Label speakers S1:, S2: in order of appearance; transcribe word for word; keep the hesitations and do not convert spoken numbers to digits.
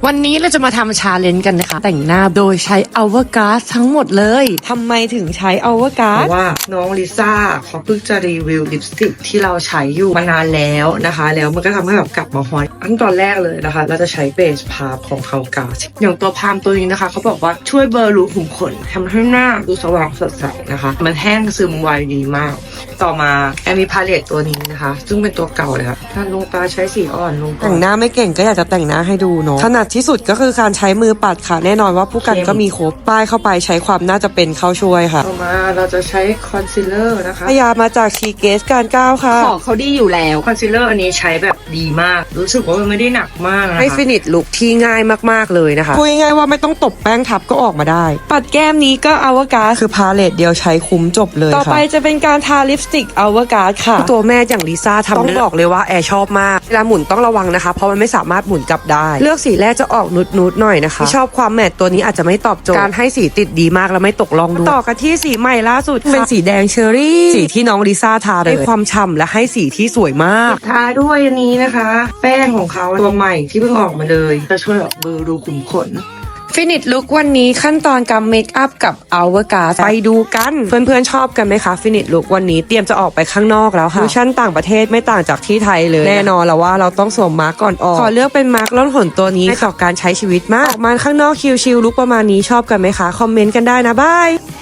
S1: วันนี้เราจะมาทำชาเลนจ์กันนะคะแต่งหน้าโดยใช้อัลเวอร์การ์ดทั้งหมดเลยทำไมถึงใช้อัลเวอร์การ์ดเพราะว่าน้องลิซ่าเขาเพิ่งจะรีวิวลิปสติกที่เราใช้อยู่มานานแล้วนะคะแล้วมันก็ทำให้แบบกลับมาฮอตอันตอนแรกเลยนะคะเราจะใช้เบสพาร์มของเขากาสอย่างตัวพาร์มตัวนี้นะคะเขาบอกว่าช่วยเบลอรูขุมขนทำให้หน้าดูสว่างสดใสนะคะมันแห้งซึมไวดีมากต่อมาแอมมีพาเลตตัวนี้นะคะซึ่งเป็นตัวเก่าเลยค่ะถ้าลงตาใช้สีอ่อนลงแต่งหน้าไม่เก่งก็อยากจะแต่งหน้าให้ดูเนาะถนัดที่สุดก็คือการใช้มือปัดค่ะแน่นอนว่าผู้กันก็มีครบป้ายเข้าไปใช้ความน่าจะเป็นเข้าช่วยค่ะต่อมาเราจะใช้คอนซีลเลอร์นะคะพยามาจากชีเกสการก้าวค่ะ
S2: ของเขาดีอยู่แล้ว
S1: คอนซีลเลอร์อันนี้ใช้แบบดีมากรู้สึกว่ามันไม่ได้หนักมากนะคะให้ฟินิชลุคที่ง่ายมากๆเลยนะคะพูดง่ายๆว่าไม่ต้องตบแป้งทับก็ออกมาได้ปัดแก้มนี้ก็อัลเวอร์การ์ดคือพาเลตเดียวใช้คุ้มจบเลยต่อไปจะเป็นการทาลิปสติกอัลเวอร์การ์ดค่ะตัวแม่อย่างลิซ่าทำต้องบอกเลยว่าแอร์ชอบมากเวลาหมุนต้องระวังนะคะเพราะมันไม่สามารถหมุนกลับได้เลือกสีแรกจะออกนุดๆหน่อยนะคะที่ชอบความแมตต์ตัวนี้อาจจะไม่ตอบโจทย์การให้สีติดดีมากแล้วไม่ตกล่องด้วยต่อกันที่สีใหม่ล่าสุดเป็นสีแดงเชอร์รี่สีที่น้องลิซ่าทาเลยให้ความฉ่ำและให้สีที่สวยมากทาด้วยอันนี้นะคะแป้งของเขาตัวใหม่ที่เพิ่งออกมาเลยจะช่วยแบบเบลอรูขุมขนฟินิชลุควันนี้ขั้นตอนการเมคอัพกับอัลเวอร์การ์ดไปดูกันเพื่อนๆชอบกันไหมคะฟินิชลุควันนี้เตรียมจะออกไปข้างนอกแล้วค่ะดูชั่นต่างประเทศไม่ต่างจากที่ไทยเลยแน่นอนแล้วว่าเราต้องสวมมาร์กก่อนออกขอเลือกเป็นมาร์กล่องหนตัวนี้ให้ต่อการใช้ชีวิตมากออกมาข้างนอกชิลๆลุคประมาณนี้ชอบกันไหมคะคอมเมนต์กันได้นะบาย